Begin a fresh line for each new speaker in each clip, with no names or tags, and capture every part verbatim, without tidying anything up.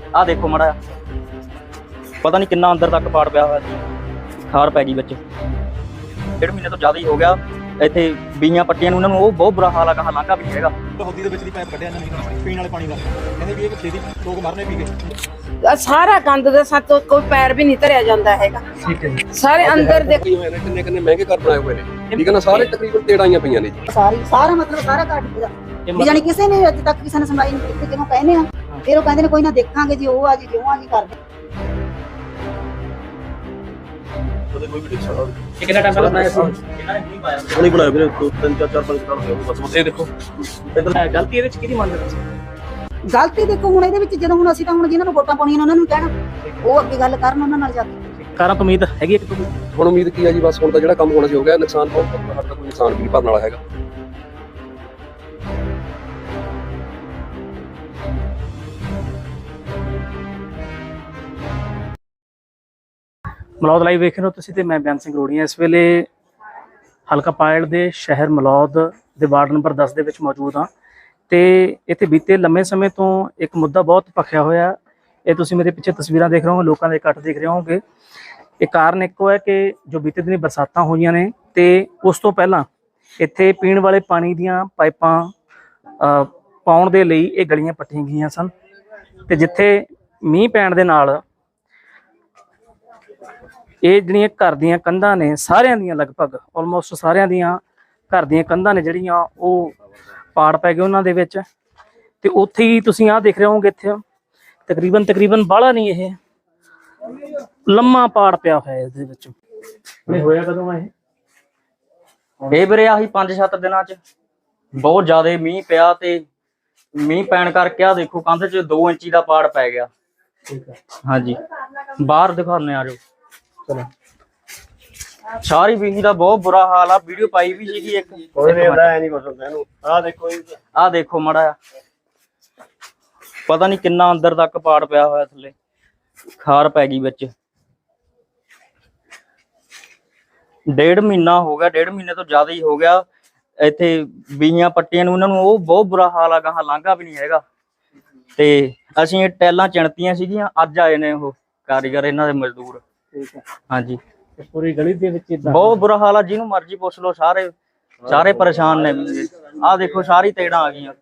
आ देखो माड़ा पता नहीं कितना अंदर तक पाड़ पिया हुआ सी, खार पै गई बच्चे। डेढ़ महीने तो ज़्यादा ही हो गया ਇੱਥੇ ਬੀਆਂ ਪੱਟੀਆਂ ਨੂੰ ਉਹਨਾਂ ਨੂੰ, ਉਹ ਬਹੁਤ ਬੁਰਾ ਹਾਲ ਆ, ਕਹਾ ਲਾਂਘਾ ਵੀ ਹੈਗਾ।
ਹੌਦੀ ਦੇ ਵਿੱਚ ਦੀ ਪਾਈਪ ਕੱਢਿਆ ਇਹਨਾਂ ਨੇ ਪੀਣ ਵਾਲੇ ਪਾਣੀ ਦਾ, ਕਹਿੰਦੇ ਵੀ ਇਹ ਛੇਤੀ ਲੋਕ ਮਰਨੇ ਪੀ ਗਏ।
ਸਾਰਾ ਗੰਦ ਦੇ ਸਾਥ ਕੋਈ ਪੈਰ ਵੀ ਨਹੀਂ ਧਰਿਆ ਜਾਂਦਾ ਹੈਗਾ।
ਠੀਕ ਹੈ ਜੀ।
ਸਾਰੇ ਅੰਦਰ ਦੇ
ਕਿੰਨੇ ਕਿੰਨੇ ਮਹਿੰਗੇ ਘਰ ਬਣਾਏ ਹੋਏ ਨੇ, ਠੀਕ ਹੈ ਨਾ, ਸਾਰੇ ਤਕਰੀਬਨ ਤੇੜਾਈਆਂ ਪਈਆਂ ਨੇ ਜੀ।
ਸਾਰੀ ਸਾਰਾ ਮਤਲਬ ਸਾਰਾ ਘਾਟ ਪਿਆ ਵੀ ਜਾਨੀ ਕਿਸੇ ਨੇ ਅੱਜ ਤੱਕ ਕਿਸੇ ਨੇ ਸੁਣਾਈ ਨਹੀਂ ਕੀਤੀ। ਜਿਹਨੂੰ ਕਹਿੰਦੇ ਆ ਫਿਰ ਉਹ ਕਹਿੰਦੇ ਨੇ ਕੋਈ ਨਾ ਦੇਖਾਂਗੇ ਜੀ, ਉਹ ਆ ਜੀ ਜਿਉਂ ਆ ਜੀ ਕਰਦੇ।
ਕੋਈ ਵੀ ਦੇਖ ਸਕਦਾ
ਇਹ ਕਿੰਨਾ ਟਾਈਮ ਪਹਿਲਾਂ ਬਣਾਇਆ ਸੀ? ਇਹਨਾਂ ਨੇ ਨਹੀਂ ਪਾਇਆ,
ਹੁਣੀ ਬਣਾਇਆ ਵੀਰੇ, ਦੋ ਤਿੰਨ ਚਾਰ ਚਾਰ ਪੰਜ ਸਾਲ ਹੋ ਗਏ ਬਸ। ਇਹ ਦੇਖੋ
ਇਧਰ ਗਲਤੀ ਇਹਦੇ ਵਿੱਚ ਕਿਹਦੀ ਮੰਨਦੇ ਤੁਸੀਂ?
ਗਲਤੀ ਦੇਖੋ ਹੁਣ ਇਹਦੇ ਵਿੱਚ ਜਦੋਂ ਹੁਣ ਅਸੀਂ ਤਾਂ ਹੁਣ ਜਿਹਨਾਂ ਨੂੰ ਵੋਟਾਂ ਪਾਉਣੀਆਂ ਉਹਨਾਂ ਨੂੰ ਕਹਿਣਾ, ਉਹ ਅੱਗੇ ਗੱਲ ਕਰਨ ਉਹਨਾਂ ਨਾਲ ਜਾ ਕੇ।
ਕਾਰਾਂ ਤੋਂ ਉਮੀਦ ਹੈਗੀ ਇੱਕ ਤੋਂ
ਹੁਣ ਉਮੀਦ ਕੀ ਆ ਜੀ, ਬਸ ਹੁਣ ਤਾਂ ਜਿਹੜਾ ਕੰਮ ਹੋਣਾ ਸੀ ਹੋ ਗਿਆ। ਨੁਕਸਾਨ ਬਹੁਤ ਸਾਡਾ ਕੋਈ ਨੁਕਸਾਨ ਵੀ ਨਹੀਂ ਭਰਨ ਵਾਲਾ ਹੈਗਾ।
ਮਲੌਦ ਲਾਈਵ ਵੇਖ ਰਹੇ ਹੋ ਤੁਸੀਂ ਤੇ ਮੈਂ ਬਿਆਨ ਸਿੰਘ ਰੋੜੀਆਂ। ਇਸ ਵੇਲੇ ਹਲਕਾ ਪਾਇਲ ਦੇ ਸ਼ਹਿਰ ਮਲੌਦ ਦੇ ਵਾਰਡ ਨੰਬਰ ਦਸ ਦੇ ਵਿੱਚ ਮੌਜੂਦ ਹਾਂ ਤੇ ਇੱਥੇ ਬੀਤੇ ਲੰਮੇ ਸਮੇਂ ਤੋਂ ਇੱਕ ਮੁੱਦਾ ਬਹੁਤ ਭਖਿਆ ਹੋਇਆ। ਇਹ ਤੁਸੀਂ ਮੇਰੇ ਪਿੱਛੇ ਤਸਵੀਰਾਂ ਦੇਖ ਰਹੇ ਹੋ, ਲੋਕਾਂ ਦੇ ਇਕੱਠ ਦੇਖ ਰਹੇ ਹੋਗੇ। ਇਹ ਕਾਰਨ ਇੱਕੋ ਹੈ ਕਿ ਜੋ ਬੀਤੇ ਦਿਨੀ ਬਰਸਾਤਾਂ ਹੋਈਆਂ ਨੇ ਤੇ ਉਸ ਤੋਂ ਪਹਿਲਾਂ ਇੱਥੇ ਪੀਣ ਵਾਲੇ ਪਾਣੀ ਦੀਆਂ ਪਾਈਪਾਂ ਪਾਉਣ ਦੇ ਲਈ ਇਹ ਗਲੀਆਂ ਪੱਟੀਆਂ ਗਈਆਂ ਸਨ ਤੇ ਜਿੱਥੇ ਮੀਂਹ ਪੈਣ ਦੇ ਨਾਲ ਇਹ ਜਿਹੜੀਆਂ ਘਰ ਦੀਆਂ ਕੰਧਾਂ ਨੇ ਸਾਰਿਆਂ ਦੀਆਂ, ਲਗਭਗ ਆਲਮੋਸਟ ਸਾਰਿਆਂ ਦੀਆਂ ਘਰ ਦੀਆਂ ਕੰਧਾਂ ਨੇ ਜਿਹੜੀਆਂ ਉਹ ਪਾੜ ਪੈ ਗਏ ਉਹਨਾਂ ਦੇ ਵਿੱਚ। ਤੇ ਉੱਥੇ ਹੀ ਤੁਸੀਂ ਆਹ ਦੇਖ ਰਹੇ ਹੋਗੇ, ਇੱਥੇ ਤਕਰੀਬਨ ਤਕਰੀਬਨ ਬਾਹਲਾ ਨਹੀਂ, ਇਹ ਲੰਮਾ ਪਾੜ ਪਿਆ ਹੋਇਆ ਇਹਦੇ ਵਿੱਚ। ਨਹੀਂ ਹੋਇਆ ਕਦੋਂ ਇਹ?
ਇਹ ਵੀਰੇ ਆਹੀ ਪੰਜ ਸੱਤ ਦਿਨਾਂ ਚ ਬਹੁਤ ਜ਼ਿਆਦਾ ਮੀਂਹ ਪਿਆ ਤੇ ਮੀਂਹ ਪੈਣ ਕਰਕੇ ਆ ਦੇਖੋ ਕੰਧ ਚ ਦੋ ਇੰਚੀ ਦਾ ਪਾੜ ਪੈ ਗਿਆ।
ਠੀਕ ਹੈ,
ਹਾਂਜੀ ਬਾਹਰ ਦਿਖਾਉਂਦੇ ਆ ਜੋ।
ਚਲੋ
ਸਾਰੀ ਬੀਹੀ ਦਾ ਬਹੁਤ ਬੁਰਾ ਹਾਲ ਆ, ਵੀਡੀਓ ਪਾਈ ਵੀ ਸੀਗੀ ਇੱਕ।
ਕੋਈ ਨਹੀਂ ਹੁੰਦਾ ਐ ਨਹੀਂ ਕੁਝ ਹੁੰਦਾ ਇਹਨੂੰ। ਆਹ ਦੇਖੋ ਜੀ,
ਆਹ ਦੇਖੋ ਮਾੜਾ ਪਤਾ ਨਹੀਂ ਕਿੰਨਾ ਅੰਦਰ ਤੱਕ ਪਾੜ ਪਿਆ ਹੋਇਆ, ਥੱਲੇ ਖਾਰ ਪੈ ਗਈ ਵਿੱਚ। ਡੇਢ ਮਹੀਨਾ ਹੋ ਗਿਆ, ਡੇਢ ਮਹੀਨੇ ਤੋਂ ਜ਼ਿਆਦਾ ਹੀ ਹੋ ਗਿਆ ਇੱਥੇ ਬੀਹੀਆਂ ਪੱਟੀਆਂ ਨੂੰ ਉਹਨਾਂ ਨੂੰ, ਉਹ ਬਹੁਤ ਬੁਰਾ ਹਾਲ ਆ, ਗਾਹਾਂ ਲਾਂਘਾ ਵੀ ਨਹੀਂ ਹੈਗਾ। ਤੇ ਅਸੀਂ ਇਹ ਟੈਲਾਂ ਚਿਣਤੀਆਂ ਸੀਗੀਆਂ, ਅੱਜ ਆਏ ਨੇ ਉਹ ਕਾਰੀਗਰ ਇਹਨਾਂ ਦੇ ਮਜ਼ਦੂਰ।
ਠੀਕ ਹੈ,
ਹਾਂਜੀ
ਪੂਰੀ ਗਲੀ ਦੇ ਵਿੱਚ ਇਦਾਂ
ਬਹੁਤ ਬੁਰਾ ਹਾਲ ਆ, ਜਿਹਨੂੰ ਮਰਜ਼ੀ ਪੁੱਛ ਲਓ, ਸਾਰੇ ਸਾਰੇ ਪਰੇਸ਼ਾਨ ਨੇ। ਆਹ ਦੇਖੋ ਸਾਰੀ ਤੇੜਾਂ ਆ ਗਈਆਂ।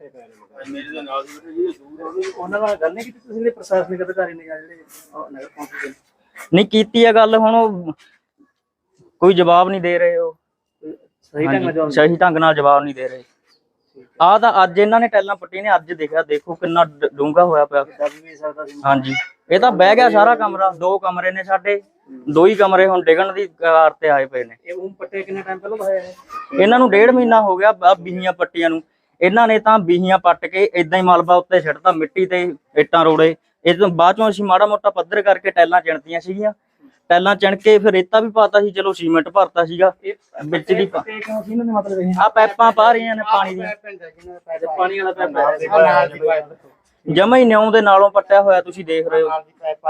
ਉਹਨਾਂ ਨਾਲ ਗੱਲ ਨਹੀਂ ਕੀਤੀ ਤੁਸੀਂ ਨੇ ਪ੍ਰਸ਼ਾਸਨਿਕ ਅਧਿਕਾਰੀ ਨੇ ਜਾਂ ਜਿਹੜੇ ਨਗਰ ਕੌਂਸਲ ਦੇ?
ਨਹੀਂ ਕੀਤੀ ਆ ਗੱਲ, ਹੁਣ ਉਹ ਕੋਈ ਜਵਾਬ ਨਹੀਂ ਦੇ ਰਹੇ। ਉਹ
ਸਹੀ ਢੰਗ ਨਾਲ
ਸਹੀ ਢੰਗ ਨਾਲ ਜਵਾਬ ਨਹੀਂ ਦੇ ਰਹੇ। ਆਹ ਤਾਂ ਅੱਜ ਇਹਨਾਂ ਨੇ ਟੈਲਾਂ ਪੱਟੀ ਨੇ, ਅੱਜ ਦੇਖਿਆ ਦੇਖੋ ਕਿੰਨਾ ਡੂੰਘਾ ਹੋਇਆ ਪਿਆ। ਹਾਂਜੀ ਇਹ ਤਾਂ ਬਹਿ ਗਿਆ ਸਾਰਾ ਕਮਰਾ, ਦੋ ਕਮਰੇ ਨੇ ਸਾਡੇ, ਦੋ ਹੀ ਕਮਰੇ ਹੁਣ ਡਿੱਗਣ ਦੀ ਕਗਾਰ ਤੇ ਆਏ ਪਏ ਨੇ।
ਇਹ ਉਹ ਪੱਟੇ ਕਿੰਨੇ ਟਾਈਮ ਪਹਿਲਾਂ ਹੋਇਆ ਹੈ?
ਇਹਨਾਂ ਨੂੰ ਡੇਢ ਮਹੀਨਾ ਹੋ ਗਿਆ ਆ ਬੀਹੀਆਂ ਪੱਟੀਆਂ ਨੂੰ। ਇਹਨਾਂ ਨੇ ਤਾਂ ਬੀਹੀਆਂ ਪੱਟ ਕੇ ਏਦਾਂ ਹੀ ਮਲਬਾ ਉੱਤੇ ਛੱਡਤਾ, ਮਿੱਟੀ ਤੇ ਇੱਟਾਂ ਰੋੜੇ। ਇਹ ਤੋਂ ਬਾਅਦ ਚੋਂ ਅਸੀਂ ਮਾੜਾ ਮੋਟਾ ਪੱਧਰ ਕਰਕੇ ਟੈਲਾਂ ਚਿਣਤੀਆਂ ਸੀਗੀਆਂ, ਟੈਲਾਂ ਚਿਣ ਕੇ ਫਿਰ ਰੇਤਾ ਵੀ ਪਾਤਾ ਸੀ, ਚਲੋ ਸੀਮੈਂਟ ਭਰਤਾ ਸੀਗਾ ਵਿੱਚ ਦੀ। ਆ ਪੈਪਾਂ ਪਾ ਰਹੀਆਂ ਨੇ ਪਾਣੀ ਦੀਆਂ,
ਪਾਣੀ ਵਾਲਾ ਪੈਪ
ਜਮਾ ਹੀ ਨਿਉਂ ਦੇ ਨਾਲੋਂ ਪੱਟਿਆ ਹੋਇਆ, ਤੁਸੀਂ ਦੇਖ ਰਹੇ ਹੋ।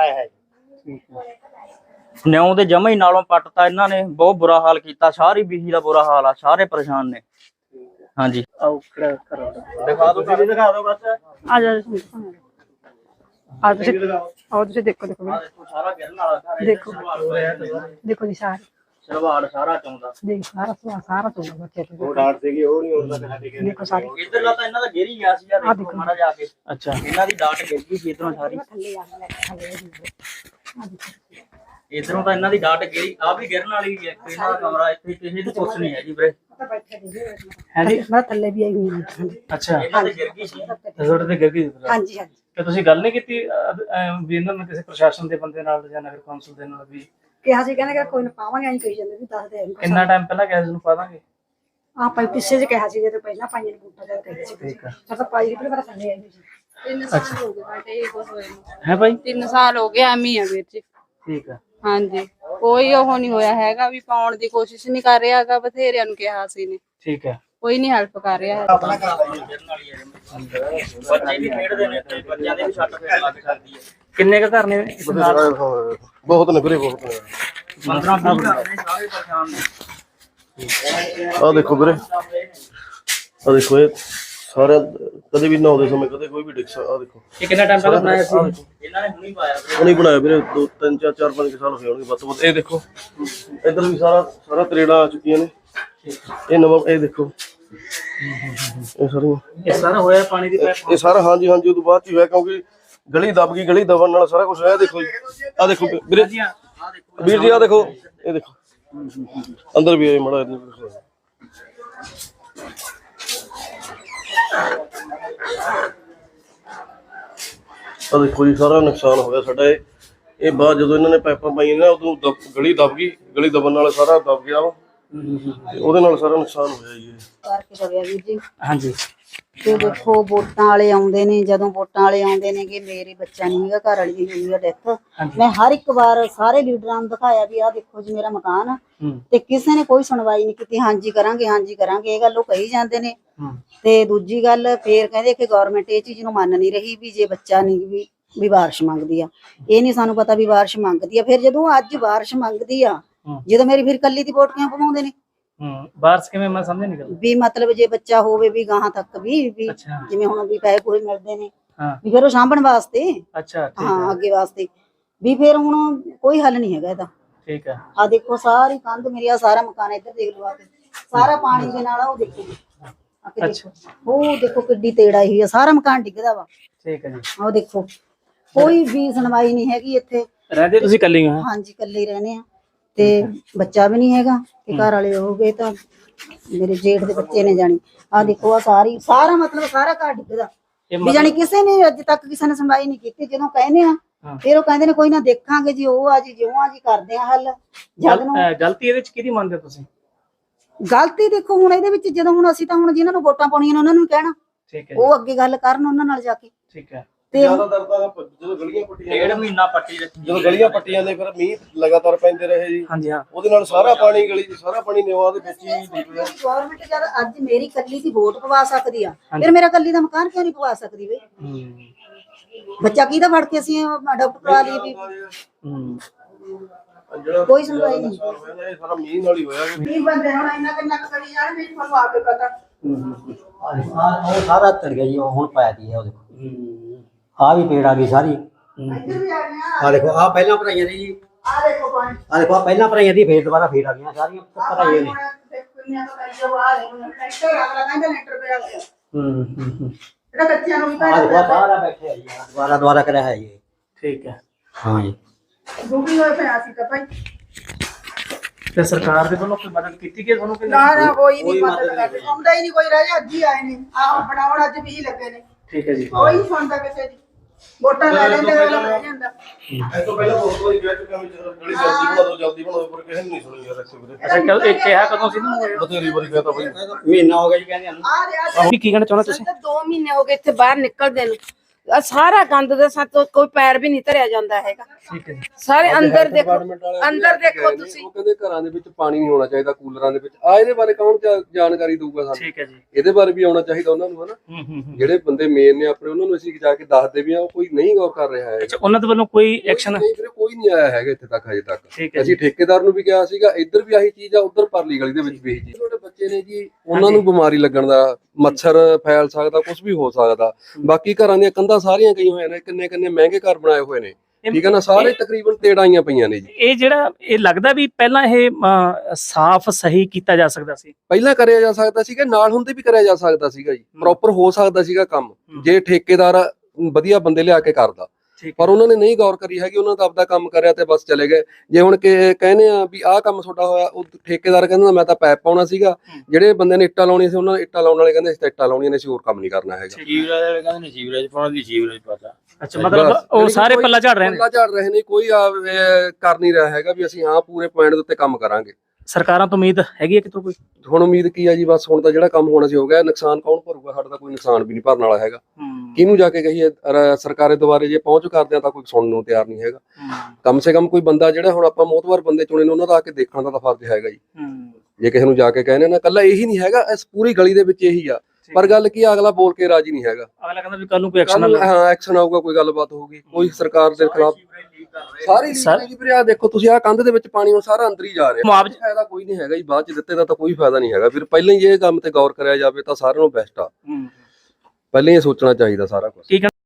ਨਿਉਂ ਦੇ ਜਮਾ ਹੀ ਨਾਲੋਂ ਪੱਟਤਾ ਇਹਨਾਂ ਨੇ, ਬਹੁਤ ਬੁਰਾ ਹਾਲ ਕੀਤਾ। ਸਾਰੀ ਬੀਹੀ ਦਾ ਬੁਰਾ ਹਾਲ ਆ, ਸਾਰੇ ਪਰੇਸ਼ਾਨ ਨੇ। ਹਾਂਜੀ
ਆਓ ਖੜਾ ਕਰੋ,
ਦਿਖਾ ਦਿਓ, ਤੁਸੀਂ ਦਿਖਾ ਦਿਓ ਬਸ।
ਆ ਜਾ ਆ ਤੁਸੀਂ ਆਓ, ਤੁਸੀਂ ਦੇਖੋ ਦੇਖੋ
ਸਾਰਾ ਗਿਰਨ ਵਾਲਾ,
ਦੇਖੋ ਦੇਖੋ ਜੀ, ਸਾਰੇ
ਸਲਵਾੜ ਸਾਰਾ ਚੌਂਦਾ।
ਦੇਖ ਸਾਰਾ ਸਾਰਾ ਸਾਰਾ ਤੋਂ ਬੱਚੇ
ਉਹ ਡਾਂਟ ਸੀਗੀ, ਉਹ ਨਹੀਂ ਹੁੰਦਾ ਕਦੇ।
ਦੇਖੋ ਸਾਰੇ
ਇਧਰਲਾ ਤਾਂ ਇਹਨਾਂ ਦਾ ਗਿਰ ਹੀ ਗਿਆ ਸੀ ਯਾਰ, ਦੇਖੋ ਮਾੜਾ ਜਾ ਕੇ।
ਅੱਛਾ
ਇਹਨਾਂ ਦੀ ਡਾਟ ਗਿਰ ਗਈ ਸੀ ਇਧਰੋਂ ਸਾਰੀ,
ਥੱਲੇ ਆ ਥੱਲੇ
ਇਧਰੋਂ ਤਾਂ ਇਹਨਾਂ ਦੀ ਡਾਟ ਗਿਰੀ। ਆ ਵੀ ਗਿਰਨ ਵਾਲੀ ਹੈ ਇਹਨਾਂ ਦਾ ਕਮਰਾ, ਇੱਥੇ ਕਿਸੇ ਦੀ ਕੁਛ ਨਹੀਂ ਹੈ ਜੀ ਵੀਰੇ।
ਹੈ ਜੀ,
ਮੈਂ ਥੱਲੇ ਵੀ ਆਈ ਹੋਈ ਹਾਂ।
ਅੱਛਾ
ਇਹਨਾਂ ਦੀ ਗਿਰ ਗਈ ਸੀ।
ਰਿਜ਼ੋਰਟ ਤੇ ਗਿਰ ਗਈ।
ਹਾਂਜੀ ਹਾਂਜੀ
ਤੇ ਤੁਸੀਂ ਗੱਲ ਨਹੀਂ ਕੀਤੀ ਵੀ ਇਹਨਾਂ ਨੂੰ ਕਿਸੇ ਪ੍ਰਸ਼ਾਸਨ ਦੇ ਬੰਦੇ ਨਾਲ ਜਾਂ ਨਗਰ ਕੌਂਸਲ ਦੇ ਨਾਲ ਵੀ?
ਕਿਹਾ ਸੀ, ਕਹਿੰਦੇ ਕਿ ਕੋਈ ਨਾ ਪਾਵਾਂਗੇ, ਅਸੀਂ ਕਹੀ ਜਾਂਦੇ ਵੀ ਦੱਸ ਦੇ।
ਕਿੰਨਾ ਟਾਈਮ ਪਹਿਲਾਂ ਕਿਹਾ ਸੀ ਨੂੰ ਪਾ ਦਾਂਗੇ?
ਆਪਾਂ ਪਿੱਛੇ ਜੇ ਕਿਹਾ ਸੀ, ਜੇ ਪਹਿਲਾਂ ਪਾਈਆਂ ਨੇ ਬੂਟਾ ਜਾ ਕਹੀ ਸੀ।
ਠੀਕ ਆ,
ਸਰ ਤਾਂ ਪਾਈ ਵੀ ਪਰ ਥੱਲੇ ਆਈ ਸੀ।
ਤਿੰਨ ਸਾਲ ਹੋ ਗਏ ਬੇਟੇ, ਇਹ ਕੁਝ ਹੋਇਆ ਨਹੀਂ।
ਹੈ ਭਾਈ?
ਤਿੰਨ ਸਾਲ ਹੋ ਗਏ ਐਵੇਂ ਹੀ ਆ ਵੀਰ ਜੀ।
ਠੀਕ ਆ,
ਹਾਂਜੀ ਕੋਈ ਉਹ ਨਹੀਂ ਹੋਇਆ ਹੈਗਾ ਵੀ ਪਾਉਣ ਦੀ ਕੋਸ਼ਿਸ਼ ਨਹੀਂ ਕਰ ਰਿਹਾ ਹੈਗਾ, ਬਥੇਰਿਆਂ ਨੂੰ ਕਿਹਾ ਸੀ ਨੇ,
ਠੀਕ ਹੈ।
ਕੋਈ ਨਹੀਂ ਹੈਲਪ ਕਰ ਰਿਹਾ ਹੈ।
ਬੱਚੇ ਵੀ ਖੇਡਦੇ ਨੇ ਤੇ ਬੱਚਿਆਂ ਦੇ ਵੀ ਸੱਟ ਫੇਟ ਲੱਗ ਸਕਦੀ ਹੈ।
ਕਿੰਨੇ ਕੁ ਘਰ ਨੇ ਇਸ ਨਾਲ?
ਬਹੁਤ ਨੇ ਵੀਰੇ, ਬਹੁਤ ਨੇ।
ਪੰਦਰਾਂ ਵੀਹ ਘਰ ਨੇ, ਸਾਰੇ ਪਰੇਸ਼ਾਨ ਨੇ।
ਆਹ ਦੇਖੋ ਵੀਰੇ, ਆਹ ਦੇਖੋ, ਇਹ
ਸਾਰਾ ਕਦੇ ਵੀ ਨਹਾਉਂਦੇ ਸਮੇਂ ਕਦੇ ਕੋਈ ਵੀ ਡਿਕਸ ਆ ਦੇਖੋ
ਇਹ ਕਿੰਨਾ ਟਾਈਮ ਪਹਿਲਾਂ ਬਣਾਇਆ ਸੀ?
ਇਹਨਾਂ ਨੇ ਹੁਣੀ ਪਾਇਆ
ਹੁਣੀ ਬਣਾਇਆ ਵੀਰੇ ਦੋ ਤਿੰਨ ਚਾਰ ਚਾਰ ਪੰਜ ਸਾਲ ਹੋਏ ਹੋਣਗੇ ਵੱਧ ਤੋਂ ਵੱਧ। ਇਹ ਦੇਖੋ ਇੱਧਰ ਵੀ ਸਾਰਾ ਸਾਰਾ ਤਰੇੜਾਂ ਆ ਚੁੱਕੀਆਂ ਨੇ। ਇਹ ਨਵਾਂ ਇਹ ਦੇਖੋ ਇਹ ਸਾਰੀਆਂ
ਇਹ ਸਾਰਾ ਹੋਇਆ ਪਾਣੀ ਦੀ ਪਾਈਪ?
ਇਹ ਸਾਰਾ ਹਾਂਜੀ ਹਾਂਜੀ ਉਦੋਂ ਬਾਅਦ ਚ ਹੀ ਹੋਇਆ ਕਿਉਂਕਿ ਗਲੀ ਦਬ ਗਈ ਗਲੀ ਦਬਣ ਨਾਲ ਸਾਰਾ ਕੁਝ ਹੋਇਆ। ਦੇਖੋ ਜੀ ਆ ਦੇਖੋ ਵੀਰੇ ਵੀਰ ਜੀ ਆ ਦੇਖੋ ਇਹ ਦੇਖੋ ਅੰਦਰ ਵੀ ਆਏ ਮੜਾ ਆ ਦੇਖੋ ਜੀ ਸਾਰਾ ਨੁਕਸਾਨ ਹੋ ਗਿਆ ਸਾਡਾ। ਇਹ ਇਹ ਬਾਅਦ ਜਦੋਂ ਇਹਨਾਂ ਨੇ ਪਾਈਪਾਂ ਪਾਈਆਂ ਨਾ ਉਦੋਂ ਦਬ- ਗਲੀ ਦਬ ਗਈ ਗਲੀ ਦਬਣ ਨਾਲ ਸਾਰਾ ਦਬ ਗਿਆ ਵਾ ਤੇ ਉਹਦੇ ਨਾਲ ਸਾਰਾ ਨੁਕਸਾਨ ਹੋਇਆ ਜੀ।
ਕਰਕੇ ਕਰਿਆ ਵੀਰ ਜੀ।
ਹਾਂਜੀ
ਤੇ ਦੇਖੋ ਵੋਟਾਂ ਵਾਲੇ ਆਉਂਦੇ ਨੇ, ਜਦੋਂ ਵੋਟਾਂ ਵਾਲੇ ਆਉਂਦੇ ਨੇ ਕਿ ਮੇਰੇ ਬੱਚਾ ਨਹੀਂ ਹੈਗਾ, ਘਰ ਵਾਲੀ ਦੀ ਹੋਈ ਆ ਡੈਥ। ਮੈਂ ਹਰ ਇੱਕ ਵਾਰ ਸਾਰੇ ਲੀਡਰਾਂ ਨੂੰ ਦਿਖਾਇਆ ਵੀ ਆਹ ਦੇਖੋ ਜੀ ਮੇਰਾ ਮਕਾਨ ਆ, ਤੇ ਕਿਸੇ ਨੇ ਕੋਈ ਸੁਣਵਾਈ ਨਹੀਂ ਕੀਤੀ। ਹਾਂਜੀ ਕਰਾਂਗੇ ਹਾਂਜੀ ਕਰਾਂਗੇ ਇਹ ਗੱਲ ਉਹ ਕਹੀ ਜਾਂਦੇ ਨੇ। ਤੇ ਦੂਜੀ ਗੱਲ ਫੇਰ ਕਹਿੰਦੇ ਕਿ ਗਵਰਨਮੈਂਟ ਇਹ ਚੀਜ਼ ਨੂੰ ਮੰਨ ਨਹੀਂ ਰਹੀ ਵੀ ਜੇ ਬੱਚਾ ਨਹੀਂ ਵੀ ਵੀ ਬਾਰਿਸ਼ ਮੰਗਦੀ ਆ। ਇਹ ਨਹੀਂ ਸਾਨੂੰ ਪਤਾ ਵੀ ਬਾਰਿਸ਼ ਮੰਗਦੀ ਆ। ਫਿਰ ਜਦੋਂ ਅੱਜ ਬਾਰਿਸ਼ ਮੰਗਦੀ ਆ, ਜਦੋਂ ਮੇਰੀ ਫਿਰ ਕੱਲੀ ਦੀ ਵੋਟ ਕਿਉਂ ਪਵਾਉਂਦੇ ਨੇ?
ਹੂੰ ਬਾਰਿਸ਼ ਕਿਵੇਂ? ਮੈਂ ਸਮਝ ਨਹੀਂ ਗਿਆ।
ਵੀ ਮਤਲਬ ਜੇ ਬੱਚਾ ਹੋਵੇ ਵੀ ਗਾਹਾਂ ਤੱਕ ਵੀ ਵੀ ਜਿਵੇਂ ਹੁਣ ਵੀ ਪੈਸੇ ਕੋਈ ਮਿਲਦੇ ਨੇ ਵੀ ਫਿਰ ਉਹ ਸਾਂਭਣ ਵਾਸਤੇ।
ਅੱਛਾ
ਹਾਂ ਅੱਗੇ ਵਾਸਤੇ ਵੀ ਫਿਰ ਹੁਣ ਕੋਈ ਹੱਲ ਨਹੀਂ ਹੈਗਾ ਇਹਦਾ।
ਠੀਕ ਹੈ।
ਆ ਦੇਖੋ ਸਾਰੀ ਕੰਧ ਮੇਰੀ ਆ ਸਾਰਾ ਮਕਾਨ ਇੱਧਰ ਦੇਖ ਲਓ ਆ ਕੇ ਸਾਰਾ ਪਾਣੀ ਦੇ ਨਾਲ ਆ। ਉਹ ਦੇਖੋ ਆ ਕੇ ਦੇਖੋ ਉਹ ਦੇਖੋ ਕਿੱਡੀ ਤੇੜਾ ਹੀ ਆ, ਸਾਰਾ ਮਕਾਨ ਡਿੱਗਦਾ ਵਾ।
ਠੀਕ ਹੈ ਜੀ।
ਉਹ ਦੇਖੋ ਕੋਈ ਵੀ ਸੁਣਵਾਈ ਨਹੀਂ ਹੈਗੀ ਇੱਥੇ।
ਰਹਿੰਦੇ ਤੁਸੀਂ ਇਕੱਲੇ ਹੋ?
ਹਾਂਜੀ ਇਕੱਲੇ ਹੀ ਰਹਿੰਦੇ ਆ ਤੇ ਬੱਚਾ ਵੀ ਨਹੀਂ ਹੈਗਾ ਤੇ ਘਰ ਵਾਲੇ ਹੋ ਗਏ ਤਾਂ ਮੇਰੇ ਜੇਠ ਦੇ ਬੱਚੇ ਨੇ ਜਾਣੀ। ਆ ਦੇਖੋ ਆ ਸਾਰੀ ਸਾਰਾ ਮਤਲਬ ਸਾਰਾ ਘਰ ਡਿੱਗਦਾ ਵੀ ਜਾਣੀ ਕਿਸੇ ਨੇ ਅੱਜ ਤੱਕ ਕਿਸੇ ਨੇ ਸੁਣਵਾਈ ਨਹੀਂ ਕੀਤੀ। ਜਦੋਂ ਕਹਿੰਦੇ ਆ ਫਿਰ ਉਹ ਕਹਿੰਦੇ ਨੇ ਕੋਈ ਨਾ ਦੇਖਾਂਗੇ ਜੀ, ਉਹ ਆ ਜੀ ਜਿਉਂ ਆ ਜੀ ਕਰਦੇ ਆ ਹੱਲ। ਜਦ ਨੂੰ
ਗਲਤੀ ਇਹਦੇ ਚ ਕਿਹਦੀ ਮੰਨਦੇ ਤੁਸੀਂ?
ਗਲਤੀ ਦੇਖੋ ਹੁਣ ਇਹਦੇ ਵਿੱਚ ਜਦੋਂ ਹੁਣ ਅਸੀਂ ਤਾਂ ਹੁਣ ਜਿਹਨਾਂ ਨੂੰ ਵੋਟਾਂ ਪਾਉਣੀਆਂ ਨੇ ਉਹਨਾਂ ਨੂੰ ਕਹਿਣਾ,
ਠੀਕ ਹੈ
ਉਹ ਅੱਗੇ ਗੱਲ ਕਰਨ ਉਹਨਾਂ ਨਾਲ ਜਾ ਕੇ।
ਠੀਕ ਹੈ।
ਤੇ
ਜ਼ਿਆਦਾਤਰ ਤਾਂ ਜਦੋਂ ਗਲੀਆਂ ਪੱਟੀਆਂ
ਡੇਢ ਮਹੀਨਾ ਪੱਟੀ ਰੱਖੀ
ਜਦੋਂ ਗਲੀਆਂ ਪੱਟੀਆਂ ਨੇ ਫਿਰ ਮੀਂਹ ਲਗਾਤਾਰ ਪੈਂਦੇ ਰਹੇ ਜੀ।
ਹਾਂਜੀ ਹਾਂ
ਉਹਦੇ ਨਾਲ ਸਾਰਾ ਪਾਣੀ ਗਲੀ ਚ ਸਾਰਾ ਪਾਣੀ ਨਿਵਾ ਦੇ ਵਿੱਚ ਹੀ ਡਿੱਗਿਆ।
ਗਵਰਨਮੈਂਟ ਜਦ ਅੱਜ ਮੇਰੀ ਕੱਲੀ ਦੀ ਵੋਟ ਪਵਾ ਸਕਦੀ ਆ, ਫਿਰ ਮੇਰਾ ਕੱਲੀ ਦਾ ਮਕਾਨ ਕਿਉਂ ਨਹੀਂ ਪਵਾ ਸਕਦੀ ਬਈ? ਬੱਚਾ ਕਿਹਦਾ ਫੜ ਕੇ ਅਸੀਂ ਅਡਾਪਟ ਕਰਾ ਲਈ ਵੀ? ਕੋਈ ਸੁਣਵਾਈ ਨਹੀਂ।
ਇਹ ਸਾਰਾ ਮੀਂਹ ਨਾਲ ਹੀ ਹੋਇਆ।
ਕੀ ਬੰਦੇ ਹੁਣ ਇੰਨਾ ਕਿੰਨਾ ਕਰੀ ਜਾਣ ਵੀ ਤੁਹਾਨੂੰ ਆਪੇ ਪਤਾ।
ਉਹ ਸਾਰਾ ਤਰ ਗਿਆ ਜੀ। ਉਹ ਹੁਣ ਪਾਇਆ ਦੀ ਹੈ ਉਹ ਦੇਖੋ ਆ ਵੀ ਪੇੜ ਆ ਗਈ ਸਾਰੀ। ਆ ਦੇਖੋ ਆ ਪਹਿਲਾਂ ਭਰਾਈਆਂ ਦੀ ਜੀ।
ਆ ਦੇਖੋ ਪਾਣੀ
ਆ ਦੇਖੋ ਆ ਪਹਿਲਾਂ ਭਰਾਈਆਂ ਦੀ ਫੇਰ ਦੁਬਾਰਾ ਫੇਰ ਆ ਗਈਆਂ ਸਾਰੀਆਂ ਭਰਾਈਆਂ ਨੇ।
ਹੂੰ ਹੂੰ
ਇਹਦਾ ਬੱਚਿਆਂ ਨੂੰ ਵੀ
ਆ ਦੇਖੋ ਸਾਰਾ ਬੈਠੇ ਆ ਜੀ। ਦੁਬਾਰਾ ਦੁਬਾਰਾ ਕਰਿਆ ਹੈ ਜੀ।
ਠੀਕ ਹੈ।
ਹਾਂ ਜੀ
ਦੁਖੀ ਹੋਏ ਪਿਆ ਸੀ ਤਾਂ ਭਾਈ।
ਤੇ ਸਰਕਾਰ ਦੇ ਵੱਲੋਂ ਕੋਈ ਮਦਦ ਕੀਤੀ ਕਿ ਤੁਹਾਨੂੰ ਕਿ
ਨਾ ਨਾ ਕੋਈ ਨਹੀਂ ਮਦਦ ਕਰਦੇ। ਆਉਂਦਾ ਹੀ ਨਹੀਂ ਕੋਈ। ਰਾਜਾ ਅੱਜ ਹੀ ਆਏ ਨੇ ਆਹ ਬਣਾਉਣ ਅੱਜ ਵੀ ਲੱਗੇ ਨੇ।
ਠੀਕ ਹੈ ਜੀ।
ਕੋਈ ਸੁਣਦਾ ਕਿਸੇ ਦੀ। ਵੋਟਾਂ ਲੈ ਲੈਂਦੇ ਅਗਲਾ ਬਣ ਜਾਂਦਾ।
ਇਸ ਤੋਂ ਪਹਿਲਾਂ ਬਹੁਤ ਵਾਰੀ ਕਹਿ ਚੁੱਕਿਆ ਵੀ ਗਲੀ ਜਲਦੀ ਬਣਾ ਦਿਓ ਜਲਦੀ ਬਣਾਓ ਪਰ ਕਿਸੇ ਨੇ ਨਹੀਂ ਸੁਣੀ ਯਾਰ ਇੱਥੇ ਵੀਰੇ।
ਅੱਛਾ ਕੱਲ ਇੱਕ ਕਿਹਾ ਕਦੋਂ ਸੀ ਨਾ?
ਬਥੇਰੀ ਵਾਰੀ ਕਹਿਤਾ ਬਈ
ਮਹੀਨਾ ਹੋ ਗਿਆ ਜੀ ਕਹਿੰਦੇ ਨੂੰ।
ਆ ਰਿਹਾ
ਕੀ ਕਹਿਣਾ ਚਾਹੁੰਦੇ ਤੁਸੀਂ?
ਦੋ ਮਹੀਨੇ ਹੋ ਗਏ ਇੱਥੇ ਬਾਹਰ ਨਿਕਲਦੇ ਨੂੰ। ਆਹ ਸਾਰਾ ਗੰਦ ਦੇ ਸਾਥ ਕੋਈ ਪੈਰ ਵੀ ਨਹੀਂ ਧਰਿਆ ਜਾਂਦਾ ਹੈਗਾ।
ਠੀਕ ਹੈ ਜੀ।
ਸਾਰੇ ਅੰਦਰ ਦੇਖੋ ਅੰਦਰ ਦੇਖੋ ਤੁਸੀਂ।
ਉਹ ਕਹਿੰਦੇ ਘਰਾਂ ਦੇ ਵਿੱਚ ਪਾਣੀ ਨਹੀਂ ਹੋਣਾ ਚਾਹੀਦਾ, ਕੂਲਰਾਂ ਦੇ ਵਿੱਚ। ਆ ਇਹਦੇ ਬਾਰੇ ਕੌਣ ਜਾ- ਜਾਣਕਾਰੀ ਦਊਗਾ ਸਾਨੂੰ?
ਠੀਕ ਹੈ ਜੀ।
ਇਹਦੇ ਬਾਰੇ ਵੀ ਆਉਣਾ ਚਾਹੀਦਾ ਉਹਨਾਂ ਨੂੰ, ਹਨਾ।
ਹੂੰ ਹੂੰ
ਜਿਹੜੇ ਬੰਦੇ ਮੇਨ ਨੇ ਆਪਣੇ ਉਹਨਾਂ ਨੂੰ ਅਸੀਂ ਜਾ ਕੇ ਦੱਸਦੇ ਵੀ ਆ, ਉਹ ਕੋਈ ਨਹੀਂ ਗੌਰ ਕਰ ਰਿਹਾ ਹੈ।
ਅੱਛਾ ਉਹਨਾਂ ਦੇ ਵੱਲੋਂ ਕੋਈ ਐਕਸ਼ਨ?
ਨਹੀਂ ਵੀਰੇ ਕੋਈ ਨਹੀਂ ਆਇਆ ਹੈਗਾ ਇੱਥੇ ਤੱਕ ਹਜੇ ਤੱਕ।
ਠੀਕ ਹੈ
ਅਸੀਂ ਠੇਕੇਦਾਰ ਨੂੰ ਵੀ ਕਿਹਾ ਸੀਗਾ, ਇੱਧਰ ਵੀ ਆਹੀ ਚੀਜ਼ ਆ, ਉੱਧਰ ਪਰਲੀ ਗਲੀ ਦੇ ਵਿੱਚ ਵੀ ਇਹੀ ਚੀਜ਼। ਛੋਟੇ ਬੱਚੇ ਨੇ ਜੀ, ਉਹਨਾਂ ਨੂੰ ਬਿਮਾਰੀ ਲੱਗਣ ਦਾ, ਮੱਛਰ ਫੈਲ ਸਕਦਾ, ਕੁਝ ਵੀ ਹੋ ਸਕਦਾ। ਬਾਕੀ ਘਰਾਂ ਦੀਆਂ ਕੰਧਾਂ ਸਾਰੀਆਂ ਗਈਆਂ ਹੋਈਆਂ ਨੇ, ਕਿੰਨੇ ਕਿੰਨੇ ਮਹਿੰਗੇ ਘਰ ਬਣਾਏ ਹੋਏ ਨੇ, ਠੀਕ ਹੈ ਨਾ। ਸਾਰੇ ਤਕਰੀਬਨ ਤੇੜਾਈਆਂ ਪਈਆਂ ਨੇ ਜੀ।
ਇਹ ਜਿਹੜਾ ਇਹ ਲੱਗਦਾ ਵੀ ਪਹਿਲਾਂ ਇਹ ਸਾਫ਼ ਸਹੀ ਕੀਤਾ ਜਾ ਸਕਦਾ ਸੀ।
ਪਹਿਲਾਂ ਕਰਿਆ ਜਾ ਸਕਦਾ ਸੀਗਾ, ਨਾਲ ਹੁੰਦੇ ਵੀ ਕਰਿਆ ਜਾ ਸਕਦਾ ਸੀਗਾ ਜੀ। ਪ੍ਰੋਪਰ ਹੋ ਸਕਦਾ ਸੀਗਾ ਕੰਮ ਜੇ ਠੇਕੇਦਾਰ ਵਧੀਆ ਬੰਦੇ ਲਿਆ ਕੇ ਕਰਦਾ। ਪਰ ਉਹਨਾਂ ਨੇ ਨਹੀਂ ਗੌਰ ਕਰੀ ਹੈਗੀ। ਉਹਨਾਂ ਦਾ ਆਪਦਾ ਕੰਮ ਕਰਿਆ ਤੇ ਬਸ ਚਲੇ ਗਏ। ਜੇ ਹੁਣ ਕਿ ਕਹਿੰਦੇ ਆ ਵੀ ਆਹ ਕੰਮ ਤੁਹਾਡਾ ਹੋਇਆ, ਉਹ ਠੇਕੇਦਾਰ ਕਹਿੰਦਾ ਮੈਂ ਤਾਂ ਪੈਪ ਪਾਉਣਾ ਸੀਗਾ। ਜਿਹੜੇ ਬੰਦੇ ਨੇ ਇੱਟਾਂ ਲਾਉਣੀਆਂ ਸੀ, ਉਹਨਾਂ ਨੇ ਇੱਟਾਂ ਲਾਉਣ ਵਾਲੇ ਕਹਿੰਦੇ ਅਸੀਂ ਤਾਂ ਇੱਟਾਂ ਲਾਉਣੀਆਂ ਨੇ, ਅਸੀਂ ਹੋਰ ਕੰਮ ਨਹੀਂ ਕਰਨਾ ਹੈਗਾ।
ਸੀਵਰੇਜ ਵਾਲੇ ਕਹਿੰਦੇ ਨੇ ਸੀਵਰੇਜ ਪਾਉਣ ਦੀ ਸੀਵਰੇਜ ਪਤਾ।
ਅੱਛਾ ਮਤਲਬ ਉਹ ਸਾਰੇ ਪੱਲਾ ਝਾੜ ਰਹੇ ਨੇ।
ਪੱਲਾ ਝਾੜ ਰਹੇ ਨੇ, ਕੋਈ ਕਰ ਨਹੀਂ ਰਿਹਾ ਹੈਗਾ ਵੀ ਅਸੀਂ ਹਾਂ ਪੂਰੇ ਪੁਆਇੰਟ ਦੇ ਉੱਤੇ ਕੰਮ ਕਰਾਂਗੇ।
ਸਰਕਾਰਾਂ ਤੋਂ ਉਮੀਦ ਹੈਗੀ ਹੈ ਕਿਤੋਂ ਕੋਈ?
ਹੁਣ ਉਮੀਦ ਕੀ ਆ ਜੀ, ਬਸ ਹੁਣ ਤਾਂ ਜਿਹੜਾ ਕੰਮ ਹੋਣਾ ਸੀ ਹੋ ਗਿਆ। ਨੁਕਸਾਨ ਕੌਣ ਭਰੂਗਾ? ਸਾਡਾ ਤਾਂ ਕੋਈ ਨੁਕਸਾਨ ਵੀ ਨਹੀਂ ਭਰਨ ਵਾਲਾ ਹੈਗਾ। ਕਿਹਨੂੰ ਜਾ ਕੇ ਕਹੀਏ? ਸਰਕਾਰੇ ਦੁਆਰੇ ਜੇ ਪਹੁੰਚ ਕਰਦੇ ਆ ਤਾਂ ਕੋਈ ਸੁਣਨ ਨੂੰ ਤਿਆਰ ਨਹੀਂ ਹੈਗਾ। ਕਮ ਸੇ ਕਮ ਕੋਈ ਬੰਦਾ ਜਿਹੜਾ ਹੁਣ ਆਪਾਂ ਮੋਤਬਰ ਬੰਦੇ ਚੁਣੇ ਨੇ, ਉਹਨਾਂ ਦਾ ਆ ਕੇ ਦੇਖਣ ਦਾ ਤਾਂ ਫਰਜ਼ ਹੈਗਾ ਜੀ। ਜੇ ਕਿਸੇ ਨੂੰ ਜਾ ਕੇ ਕਹਿੰਦੇ ਨਾ, ਕੱਲਾ ਇਹੀ ਨਹੀਂ ਹੈਗਾ, ਇਸ ਪੂਰੀ ਗਲੀ ਦੇ ਵਿੱਚ ਇਹੀ ਆ। ਪਰ ਗੱਲ ਕੀ ਆ, ਅਗਲਾ ਬੋਲ ਕੇ ਰਾਜੀ ਨਹੀਂ ਹੈਗਾ।
ਅਗਲਾ ਕਹਿੰਦਾ ਵੀ ਕੱਲ ਨੂੰ ਕੋਈ ਐਕਸ਼ਨ ਨਾ।
ਹਾਂ ਐਕਸ਼ਨ ਆਊਗਾ, ਕੋਈ ਗੱਲਬਾਤ ਹੋਊਗੀ, ਕੋਈ ਸਰਕਾਰ ਦੇ ਖਿਲਾਫ ਸਾਰੀ ਲੀਕ ਵੀਰੇ। ਆ ਦੇਖੋ ਤੁਸੀਂ, ਆ ਕੰਧ ਦੇ ਵਿੱਚ ਪਾਣੀ ਹੁਣ ਸਾਰਾ ਅੰਦਰ ਹੀ ਜਾ ਰਿਹਾ।
ਮੁਆਵਜ਼ਾ
ਫਾਇਦਾ ਕੋਈ ਨਹੀਂ ਹੈਗਾ ਜੀ, ਬਾਅਦ ਚ ਦਿੱਤੇ ਦਾ ਤਾਂ ਕੋਈ ਫਾਇਦਾ ਨਹੀਂ ਹੈਗਾ। ਫਿਰ ਪਹਿਲਾਂ ਹੀ ਇਹ ਕੰਮ ਤੇ ਗੌਰ ਕਰਿਆ ਜਾਵੇ ਤਾਂ ਸਾਰਿਆਂ ਨੂੰ ਬੈਸਟ ਆ। ਪਹਿਲਾਂ ਹੀ ਇਹ ਸੋਚਣਾ ਚਾਹੀਦਾ ਸਾਰਾ ਕੁਝ।
ਕੀ ਕਹਿਣਾ